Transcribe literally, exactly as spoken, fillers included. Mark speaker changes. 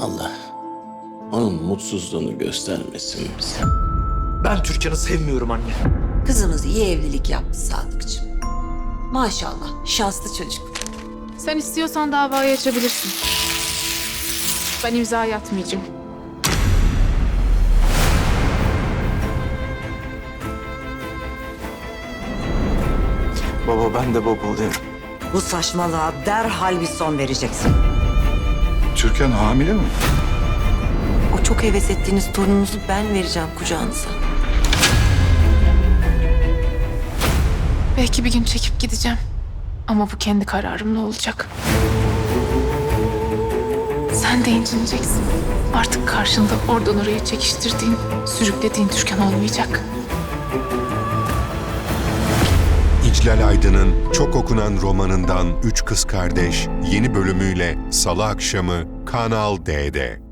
Speaker 1: Allah onun mutsuzluğunu göstermesin bize.
Speaker 2: Ben Türkan'ı sevmiyorum anne.
Speaker 3: Kızımız iyi evlilik yaptı Sadıkçım. Maşallah şanslı çocuk.
Speaker 4: Sen istiyorsan davayı açabilirsin. Ben imzayı atmayacağım.
Speaker 2: Baba ben de baba oluyorum.
Speaker 5: Bu saçmalığa derhal bir son vereceksin.
Speaker 6: Türkan hamile mi?
Speaker 5: O çok heves ettiğiniz torununuzu ben vereceğim kucağınıza.
Speaker 4: Belki bir gün çekip gideceğim. Ama bu kendi kararımla olacak. Sen de incineceksin. Artık karşında oradan oraya çekiştirdiğin, sürüklediğin Türkan olmayacak.
Speaker 7: İclal Aydın'ın çok okunan romanından Üç Kız Kardeş yeni bölümüyle Salı akşamı Kanal D'de.